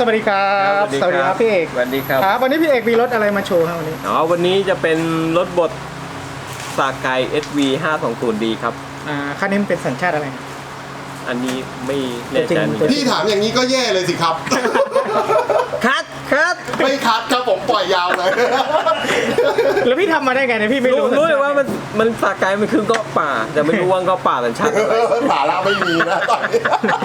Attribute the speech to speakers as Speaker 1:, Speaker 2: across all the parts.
Speaker 1: วัสดีครับสวัสดีครับพี่เอก
Speaker 2: สวัสดีครับ
Speaker 1: ครับวันนี้พี่เอกมีรถอะไรมาโชว์ครับวันนี้
Speaker 2: วันนี้จะเป็นรถบดสาไก SV 520D ครับ
Speaker 1: คันนี้เป็นสัญชาติอะไร
Speaker 2: อันนี้ไม่แน่ใจ
Speaker 3: พี่ถามอย่างนี้ก็แย่เลยสิครับ
Speaker 2: คัด
Speaker 3: ไม่คัดครับผมปล่อยยาวเลย
Speaker 1: แล้วพี่ทำมาได้ไงเนี่ยพี่ไม่รู้
Speaker 2: เลยว่ามันสาไกมันคือเกาะป่าแต่ไม่รู้ว่าเกาะป่าสัญชาติ
Speaker 3: สาระไม่มีนะตอนนี้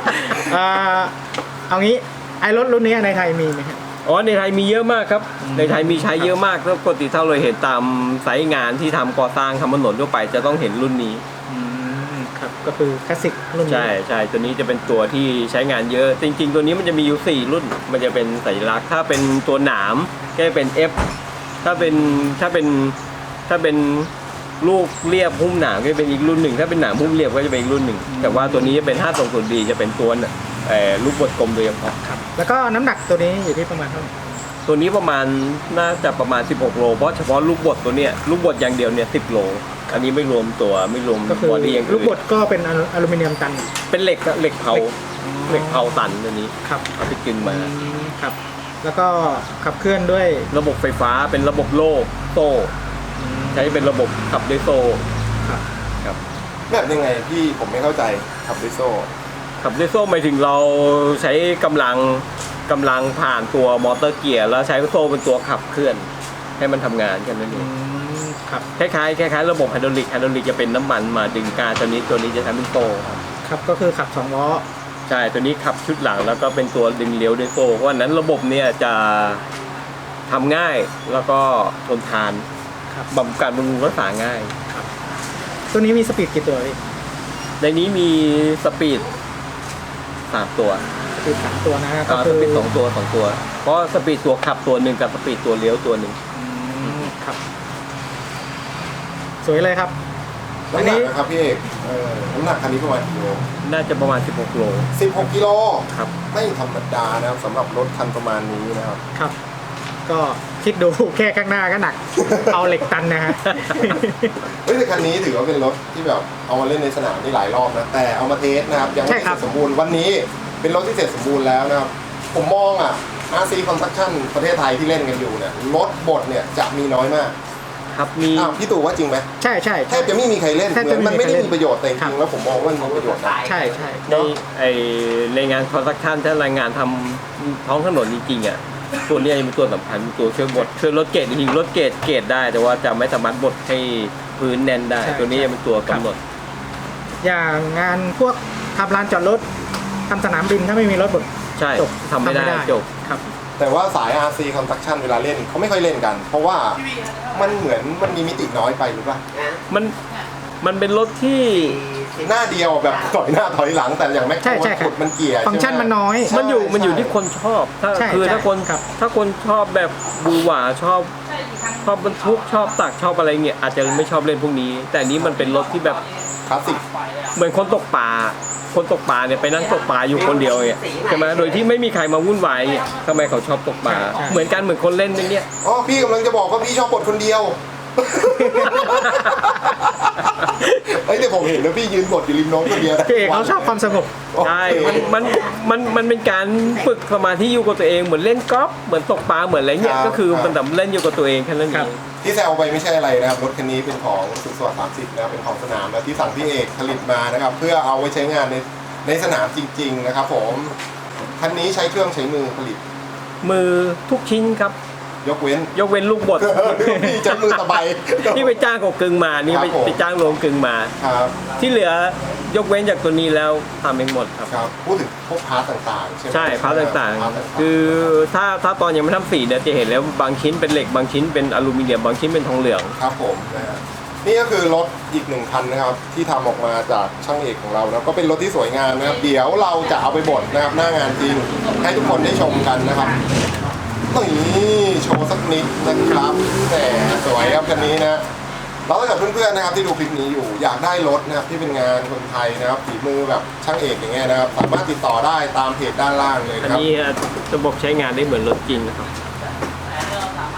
Speaker 1: เอางี้ไอ้รถรุ่นนี้ในไทยมีไหมครับ
Speaker 2: ในไทยมีเยอะมากครับในไทยมีใช้เยอะมากแล้วปกติถ้าเราเห็นตามไซต์งานที่ทำก่อสร้างทำถนนทั่วไปจะต้องเห็นรุ่นนี้
Speaker 1: ครับก็คือคลาสสิกรุ่นนี้
Speaker 2: ใช่ตัวนี้จะเป็นตัวที่ใช้งานเยอะจริงๆตัวนี้มันจะมีอยู่4รุ่นมันจะเป็นสัญลักษณ์ถ้าเป็นตัวหนามก็จะเป็น F ถ้าเป็นลูกเรียบหุ้มหนามก็จะเป็นอีกรุ่นหนึ่งถ้าเป็นหนามหุ้มเรียบก็จะเป็นอีกรุ่นหนึ่งแต่ว่าตัวนี้จะเป็น520Dจะเป็นตัวลูกบดกลมโดยเฉพาะ
Speaker 1: ครับแล้วก็น้ำหนักตัวนี้อยู่ที่ประมาณเท่าไหร่
Speaker 2: ตัวนี้ประมาณน่าจะประมาณ16โลเพราะเฉพาะลูกบดตัวเนี้ยลูกบดอย่างเดียวเนี่ย10โลอันนี้ไม่รวมบอดี้อย่างอื่น
Speaker 1: ลูกบดก็เป็นอลูมิเนียมตัน
Speaker 2: เป็นเหล็กเผาตันตัวนี้
Speaker 1: ครับ
Speaker 2: เอาไปกินมา
Speaker 1: ครับแล้วก็ขับเคลื่อนด้วย
Speaker 2: ระบบไฟฟ้าเป็นระบบโซ่ใช้เป็นระบบขับด้วยโซ่ครับ
Speaker 3: แบบยังไงพี่ผมไม่เข้าใจขับด้วยโซ่
Speaker 2: หมายถึงเราใช้กำลังผ่านตัวมอเตอร์เกียร์แล้วใช้โซ่เป็นตัวขับเคลื่อนให้มันทำงานกันนั่นเอง
Speaker 1: ครับ
Speaker 2: คล้ายระบบไฮดรอลิกจะเป็นน้ำมันมาดึงการตัวนี้จะทำเป็นโซ่
Speaker 1: ครับก็คือขับ2ล้อ
Speaker 2: ใช่ตัวนี้ขับชุดหลังแล้วก็เป็นตัวดึงเลี้ยวด้วยโซ่เพราะฉะนั้นระบบเนี่ยจะทำง่ายแล้วก็ทนทานบำรุงรักษาง่าย
Speaker 1: ตัวนี้มีสปีดกี่ตัวพี่
Speaker 2: ในนี้มีสปีด3 ตัว
Speaker 1: สปีด3 ตัวนะ
Speaker 2: ก็คือสปีด2 ตัวเพราะสปีดตัวขับตัวหนึ่งกับสปีดตัวเลี้ยวตัวหนึ่ง
Speaker 1: ครับสวยเลยครับ
Speaker 3: น้ำหนักนะครับพี่เอกน้ำหนักคันนี้ประมาณกิโล
Speaker 2: น่าจะประมาณ16โล
Speaker 3: 16กิโล
Speaker 2: ครับ
Speaker 3: ไม่ธรรมดานะครับสำหรับรถคันประมาณนี้นะครับ
Speaker 1: ครับก็คิดดูแค่ข้างหน้าก็หนักเอาเหล็กตันนะฮะ
Speaker 3: แต่คันนี้ถือว่าเป็นรถที่แบบเอามาเล่นในสนามที่หลายรอบนะแต่เอามาเทสนะครับยังไม่เสร็จสมบูรณ์วันนี้เป็นรถที่เสร็จสมบูรณ์แล้วนะครับผมมองRC Construction ประเทศไทยที่เล่นกันอยู่เนี่ยรถบดเนี่ยจะมีน้อยมาก
Speaker 2: ครับมี
Speaker 3: พี่ตู่ว่าจริงไหม
Speaker 1: ใช่
Speaker 3: แทบจะไม่มีใครเล่นเหมือนมันไม่ได้มีประโยชน์แต่จริงๆแล้วผมมองว่ามันมีประโยชน์
Speaker 1: ใช่
Speaker 2: ในงาน Construction ถ้ารายงานทำท้องถนนจริงๆตัวนี้เป็นตัวสำคัญตัวช่วยบดช่วยลดเกรดจริงๆลดเกรดได้แต่ว่าจะไม่สามารถบดให้พื้นแน่นได้ตัวนี้เป็นตัวกำหนด
Speaker 1: อย่างงานพวกทำลานจอดรถทำสนามบินถ้าไม่มีรถบด
Speaker 2: ใช่ทำไม่ได้จบ
Speaker 1: ครับ
Speaker 3: แต่ว่าสาย RC Construction เวลาเล่นเขาไม่ค่อยเล่นกันเพราะว่ามันเหมือนมันมีมิติน้อยไปหรือเปล่า
Speaker 2: มันเป็นรถที่
Speaker 3: หน้าเดียวแบบถอยหน้าถอยหลังแต่อย่างแม็กโครขุดมันเกียร์
Speaker 1: ฟังก์ชันมันน้อย
Speaker 2: มันอยู่ที่คนชอบถ้าคนชอบแบบบูหวาชอบบรรทุกชอบตักชอบอะไรเงี้ยอาจจะไม่ชอบเล่นพวกนี้แต่นี้มันเป็นรถที่แบบ
Speaker 3: คลาสสิก
Speaker 2: เหมือนคนตกปลาเนี่ยไปนั่งตกปลาอยู่คนเดียวเนี่ยใช่ไหมโดยที่ไม่มีใครมาวุ่นวายทำไมเขาชอบตกปลาเหมือนคนเล่นอย่างเงี้ย
Speaker 3: พี่กำลังจะบอกว่าพี่ชอบบดคนเดียวแต่ผมเห็นแล้วพี่ยืนบดอยู่ริมน้องคนเดียว
Speaker 1: พี่เอกเขาชอบความสงบ
Speaker 2: ใช่มันเป็นการฝึกสมาธิอยู่กับตัวเองเหมือนเล่นกอล์ฟเหมือนตกปลาเหมือนอะไรเงี้ยก็คือมันแต่เล่นอยู่กับตัวเองแค่นั้นเอง
Speaker 3: ที่แซวไปไม่ใช่อะไรนะครับรถคันนี้เป็นของสุขสวัสดิ์30นะครับเป็นของสนามและที่สั่งพี่เอกผลิตมานะครับเพื่อเอาไว้ใช้งานในสนามจริงๆนะครับผมคันนี้ใช้เครื่องใช้มือผลิต
Speaker 2: มือทุกชิ้นครับ
Speaker 3: ยกเว้น
Speaker 2: ลูกบด
Speaker 3: พี่ใช้มือตะไบ
Speaker 2: ที่ไปจ้างของกึ่งมานี่ไปจ้างโรงกึ่งมาที่เหลือยกเว้นจากตัวนี้แล้วทำเองหมดครับ
Speaker 3: พูดถึงพวกพาร์ทต่างๆใช่ไหม
Speaker 2: ใช่พาร์ทต่างๆคือถ้าตอนยังไม่ทำสีเนี่ยจะเห็นแล้วบางชิ้นเป็นเหล็กบางชิ้นเป็นอลูมิเนียมบางชิ้นเป็นทองเหลือง
Speaker 3: ครับผมนี่ก็คือรถอีก1 คันนะครับที่ทำออกมาจากช่างเอกของเรานะก็เป็นรถที่สวยงามนะครับเดี๋ยวเราจะเอาไปบดนะครับหน้างานจริงให้ทุกคนได้ชมกันนะครับนี่โชว์สักนิดนะครับแต่สวยครับคันนี้นะแล้วถ้าเกิดเพื่อนๆนะครับที่ดูคลิปนี้อยู่อยากได้รถนะครับที่เป็นงานคนไทยนะครับฝีมือแบบช่างเอกอย่างเงี้ยนะครับสามารถติดต่อได้ตามเพจด้านล่างเลยนะครับ
Speaker 2: อันนี้ระบบใช้งานได้เหมือนรถจริงนะครับ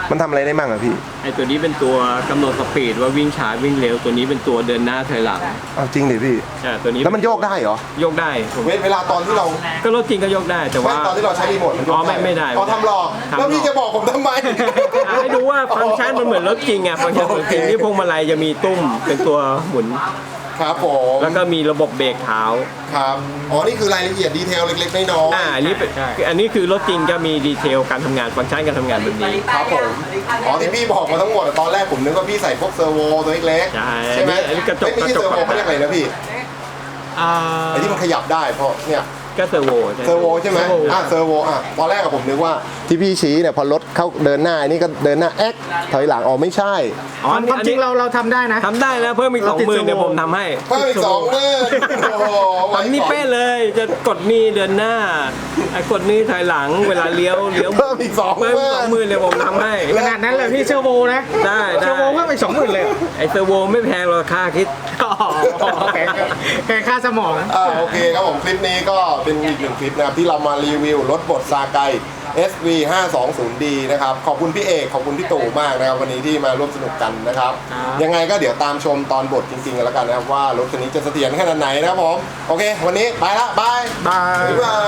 Speaker 3: มันทำอะไรได้บ้างอะพี่
Speaker 2: ไอตัวนี้เป็นตัวกำหนดสปีดว่าวิ่งช้าวิ่งเร็วตัวนี้เป็นตัวเดินหน้าถอยหลัง
Speaker 3: เอาจริงดิพี่
Speaker 2: ตัวนี้
Speaker 3: แล้วมันโยกได้เหรอ
Speaker 2: โยกได้ผม
Speaker 3: เวลาตอนที่เรา
Speaker 2: ก็รถจริงก็โยกได้แต่ว่า
Speaker 3: ตอนที่เราใช้รีโมทมันโยก
Speaker 2: ไม่ได้
Speaker 3: อ๋อทำหลอก
Speaker 2: ทำหลอก
Speaker 3: แล้วพี่จะบอกผมทำไม
Speaker 2: ให้ดูว่าฟังก์ชันมันเหมือนรถจริงอ่ะฟังก์ชันเหมือนจริงนี่พวงมาลัยจะมีตุ้มเป็นตัวหมุน
Speaker 3: ครับผม
Speaker 2: แล้วก็มีระบบเบรกเท้า
Speaker 3: ครับอ๋อนี่คือรายละเอียดดีเทลเล็กๆน้อย
Speaker 2: อันนี้เป็นอันนี้คือรถจริงก็มีดีเทลการทำงานฟังก์ชันการทำงานแบบนี้
Speaker 3: ๆครับผมอ๋อที่พี่บอกมาทั้งหมดอะตอนแรกผมนึกว่าพี่ใส่พวกเซอร์โวตัวเล็ก
Speaker 2: ใช่
Speaker 3: ๆไหม
Speaker 2: อันนี้กระจก
Speaker 3: ไม่ใช่เซอร์โวเขาเรียกอะไรนะพี่ไอ้ที่มันขยับได้เพราะเนี่ย
Speaker 2: ก็เซอร์โว
Speaker 3: เซอร์โวใช่ไหมเซอร์โวตอนแรกผมนึกว่าที่พี่ชี้เนี่ยพอรถเข้าเดินหน้าอันนี้ก็เดินหน้าแอ๊กถอยหลังอ๋อไม่ใช่
Speaker 1: ความจริงเราทำได้นะ
Speaker 2: ทำได้แล้วเพิ่มอีก
Speaker 1: เราติด
Speaker 2: 20,000เดี๋ยวผมทำให้
Speaker 3: เพิ่มอีก20,000โอ้โห
Speaker 2: ทำนี่เป๊ะเลยจะกดนี่เดินหน้าไอ้กดนี่ถอยหลังเวลาเลี้ยว
Speaker 3: เพิ่มอีก
Speaker 2: เพิ่ม20,000เดี๋ยวผมทำให้
Speaker 1: ขนาดนั้นเลยพี่เชอร์โวนะ
Speaker 2: ได้
Speaker 1: เชอร์โวเพิ่มไป20,000เลย
Speaker 2: ไอ้เซอร์โวไม่แพงหรอกค่าคิด
Speaker 1: แกค่าสมอง
Speaker 3: โอเคครับผมคลิปนี้ก็เป็นอีกหนึ่งคลิปนะครับที่เรามารีวิวรถบดซาไก SV 520D นะครับขอบคุณพี่เอกขอบคุณพี่ตู่มากนะครับวันนี้ที่มาร่วมสนุกกันนะครับ ยังไงก็เดี๋ยวตามชมตอนบดจริงๆกันแล้วกันนะครับว่ารถคันนี้จะเสถียรขนาดไหนนะครับผมโอเค วันนี้ไปละบาย
Speaker 1: บาย
Speaker 3: บ๊ายบาย